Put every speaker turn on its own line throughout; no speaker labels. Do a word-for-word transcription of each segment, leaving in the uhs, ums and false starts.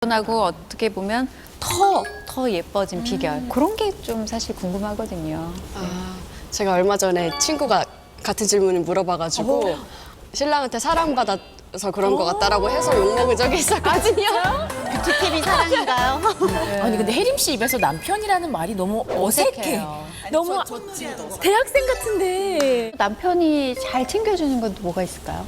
하고 어떻게 보면 더, 더 예뻐진 비결 그런 게 좀 사실 궁금하거든요.
아, 제가 얼마 전에 친구가 같은 질문을 물어봐가지고 신랑한테 사랑받아서 그런 것 같다라고 해서 욕먹은 적이 있었거든요.
뷰티팁이 사랑인가요?
아니 근데 혜림 씨 입에서 남편이라는 말이 너무 어색해.
어색해요.
너무 대학생 같은데.
남편이 잘 챙겨주는 건 뭐가 있을까요?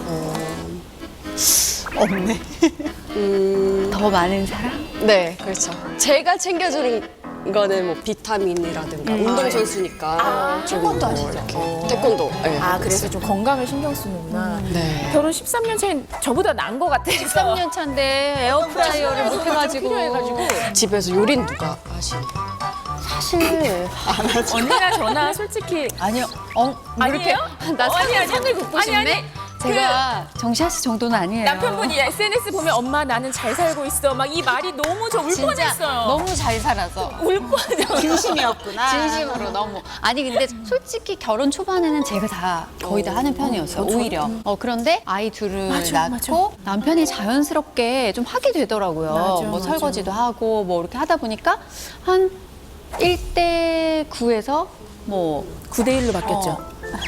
없네.
음,
더 많은 사랑?
네, 그렇죠. 제가 챙겨주는 거는 뭐 비타민이라든가 운동선수니까 좀
태권도
뭐
하시죠?
이렇게 태권도. 네.
아 그래서 좀 건강을 신경 쓰는구나.
네.
결혼 십삼 년 차인 저보다 나은 것 같아.
십삼 년 차인데 에어프라이어를 못 해가지고.
필요해가지고.
집에서 요리는 누가 하시니?
사실.
언니나 저나 솔직히
아니요. 어,
아니에요?
나
어, 아니,
상을,
아니.
상을 굽고
아니,
싶네?
아니.
제가 정시아 씨 정도는 아니에요.
남편분이 에스엔에스 보면 엄마 나는 잘 살고 있어 막 이 말이 너무 저 울
진짜
뻔했어요.
너무 잘 살아서.
울 뻔했어요.
진심이었구나.
진심으로 너무. 아니 근데 솔직히 결혼 초반에는 제가 다 거의 다 하는 편이었어요. 오히려. 어 그런데 아이 둘을
맞아,
낳고 남편이 자연스럽게 좀 하게 되더라고요.
맞아,
뭐
맞아.
설거지도 하고 뭐 이렇게 하다 보니까 한 일 대 구에서 뭐
구 대 일로 바뀌었죠.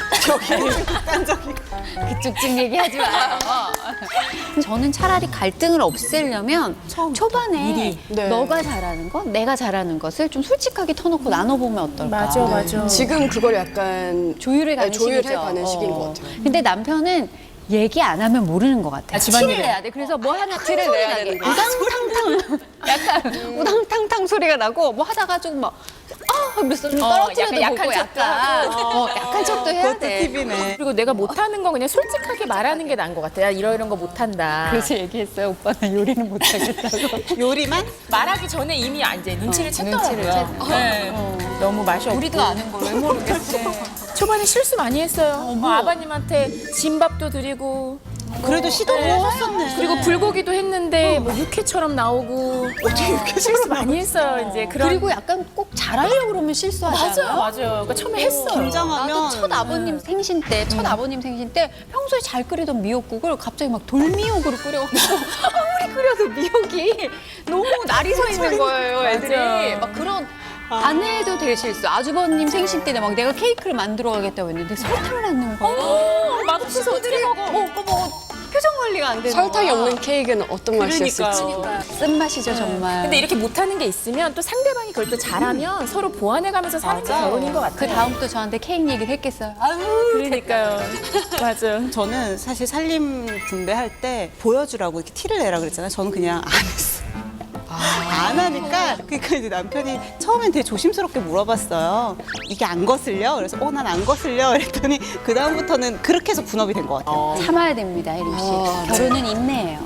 그쪽 집 얘기하지 마요. 저는 차라리 갈등을 없애려면 초반에
미리.
네.
너가 잘하는 것, 내가 잘하는 것을 좀 솔직하게 터놓고 나눠보면 어떨까.
맞아 맞아.
지금 그걸 약간
조율해 가는
네, 조율해
시기죠.
가는 시기인 것
어.
같아요.
근데 남편은 얘기 안 하면 모르는 것 같아요.
아, 집안일을.
티를 내야 돼. 그래서 뭐 하나 큰
티를
소리
내야
나게.
되는 거야.
우당탕탕. 약간 우당탕탕 소리가 나고 뭐 하다가 좀 막 아, 그래서 좀
어,
떨어뜨려도
약간
보고
약한
약간 어, 약한 척도 해야
그것도
돼.
팁이네.
그리고 내가 못하는 거 그냥 솔직하게 말하는 게 나은 것 같아. 야 이러 이런 거 못한다.
그래서 얘기했어요. 오빠는 요리는 못하겠다고.
요리만?
말하기 전에 이미 이제 눈치를 챘더라고요.
눈치를 챘-
네. 너무 맛이 없고.
우리도 아는 걸 왜 모르겠어.
초반에 실수 많이 했어요. 뭐 아버님한테 진밥도 드리고
그래도 시도를
네.
하셨네.
그리고 불고기도 했는데 뭐 육회처럼 나오고 어떻게 육회처럼 실수 많이 했어요. 이제 그런
그리고 약간 꼭 잘하려고 그러면 실수하지
맞아요,
않아요?
맞아요. 그러니까 처음에 했어요.
긴장하면
나도 첫 아버님 생신 때, 첫 아버님 생신 때 평소에 잘 끓이던 미역국을 갑자기 막 돌미역으로 끓여가지고 아무리 끓여도 미역이 너무 날이 서 있는 거예요, 애들이.
맞아.
막 그런 안 해도 될 실수. 아주버님 생신 때 막 내가 케이크를 만들어 가겠다고 했는데 설탕을 안 넣은 거예요.
어, 맛없어서 어떻게 먹어?
뭐, 뭐, 뭐 표정 관리가 안 되는
설탕이
거야.
없는 케이크는 어떤 맛이었을지.
그러니까요.
쓴맛이죠, 정말.
근데 이렇게 못하는 게 있으면 또 상대방이 그걸 또 잘하면 서로 보완해가면서 사는 게 결혼인 것 같아요.
그 다음 또 저한테 케이크 얘기를 했겠어요. 아유,
그러니까요. 맞아.
저는 사실 살림 분배할 때 보여주라고 이렇게 티를 내라 그랬잖아요. 저는 그냥 안 했어요. 안 하니까 그러니까 이제 남편이 처음엔 되게 조심스럽게 물어봤어요. 이게 안 거슬려? 그래서 어 난 안 거슬려. 그랬더니 그 다음부터는 그렇게 해서 분업이 된 것 같아요.
참아야 됩니다, 혜림 씨.
아, 네.
결혼은 인내예요.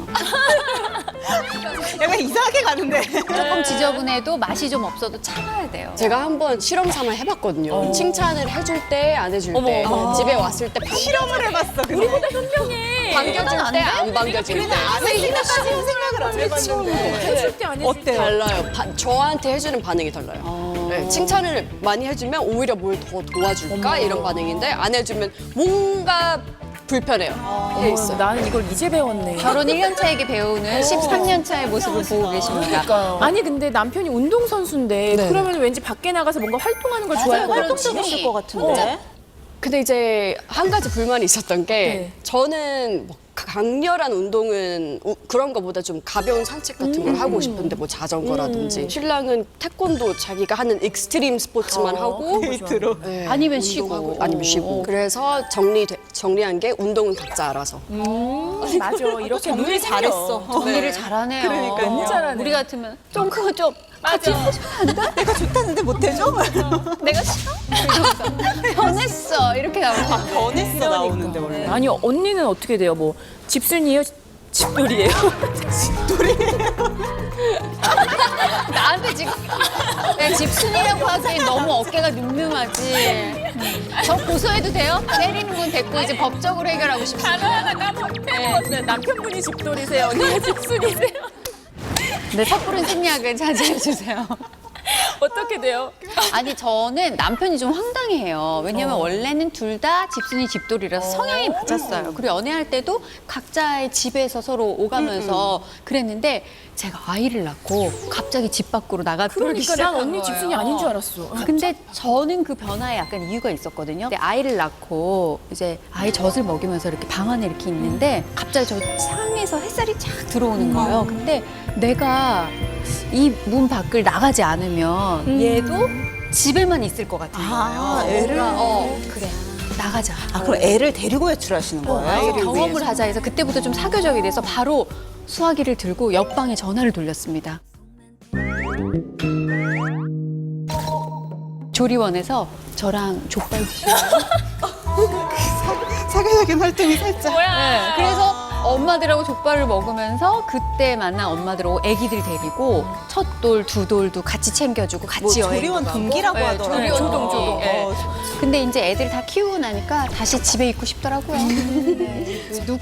약간 이상하게 가는데.
조금 지저분해도 맛이 좀 없어도 참아야 돼요.
제가 한번 실험 삼아 해봤거든요. 칭찬을 해줄 때, 안 해줄 때,
어머.
집에 왔을 때 반,
실험을 해봤어. 근데.
우리보다 현명해.
반겨줄
안
때,
돼?
안 반겨줄 때.
안 했으니까지는 생각을 안 해봤는데.
해줄 때 안 해줄 때.
어때요?
달라요. 바- 저한테 해주는 반응이 달라요. 네, 칭찬을 많이 해주면 오히려 뭘 더 도와줄까 이런 반응인데 안 해주면 뭔가 불편해요. 이게 있어요.
나는 이걸 이제 배웠네.
결혼 일 년 차에게 배우는 십삼 년 차의 모습을 보고 계십니다.
아니 근데 남편이 운동 선수인데
네.
그러면 왠지 밖에 나가서 뭔가 활동하는 걸 좋아할 것 같아.
활동적이실 것 같은데.
근데 이제 한 가지 불만이 있었던 게
네.
저는 뭐 강렬한 운동은 우- 그런 거보다 좀 가벼운 산책 같은 걸 하고 싶은데 뭐 자전거라든지 신랑은 태권도 자기가 하는 익스트림 스포츠만 하고
데이트로.
네,
아니면 쉬고.
운동하고, 아니면 쉬고 그래서 정리 정리한 게 운동은 각자 알아서
음, 맞아. 이렇게
정리
눈이
잘했어.
정리를 잘하네요.
그러니까요.
너무 잘하네.
우리 같으면 좀 그거 좀 같이
맞아.
해주면 안 돼?
내가 좋다는데 못해줘?
내가 싫어? 이러면서 변했어. 이렇게 나오면
변했어 나오는데 원래.
아니 언니는 어떻게 돼요? 뭐 집순이에요? 집돌이에요?
나한테 지금 내 집순이라고 하기엔 너무 어깨가 늠름하지. 저 고소해도 돼요? 때리는 분 됐고 이제 법적으로 해결하고 싶어요.
단어 하나 까먹- 까먹었어요. 남편분이 집돌이세요. 언니가 집순이세요.
네, 섣부른 생략을 자제해 주세요.
어떻게 돼요?
아니 저는 남편이 좀 황당해요. 왜냐면 원래는 둘 다 집순이 집돌이라서 성향이 맞았어요. 그리고 연애할 때도 각자의 집에서 서로 오가면서 그랬는데 제가 아이를 낳고 갑자기 집 밖으로 나가기
그러니까
시작한
난 언니
거예요.
집순이 아닌 줄 알았어.
근데 저는 그 변화에 약간 이유가 있었거든요. 근데 아이를 낳고 이제 아이 젖을 먹이면서 이렇게 방 안에 이렇게 있는데 갑자기 저 창에서 햇살이 쫙 들어오는 거예요. 근데 내가 이 문 밖을 나가지 않으면 얘도 집에만 있을 것 같은 거예요.
아, 애를?
뭔가, 어, 그래. 나가자.
아, 그럼 애를 데리고 외출하시는 거예요?
아이를 경험을 하자 해서 그때부터 좀 사교적이 돼서 바로 수화기를 들고 옆방에 전화를 돌렸습니다. 조리원에서 저랑 족발 드시고
사교적인 활동이 살짝.
네, 그래서 엄마들하고 족발을 먹으면서 그때 만난 엄마들하고 아기들 데리고 첫 돌, 두 돌도 같이 챙겨주고 같이
뭐
여행
조리원
가고.
동기라고
네,
하더라고요.
조리원
조동,
동기.
조동.
네.
어,
근데 이제 애들 다 키우고 나니까 다시 집에 있고 싶더라고요. 네. 누,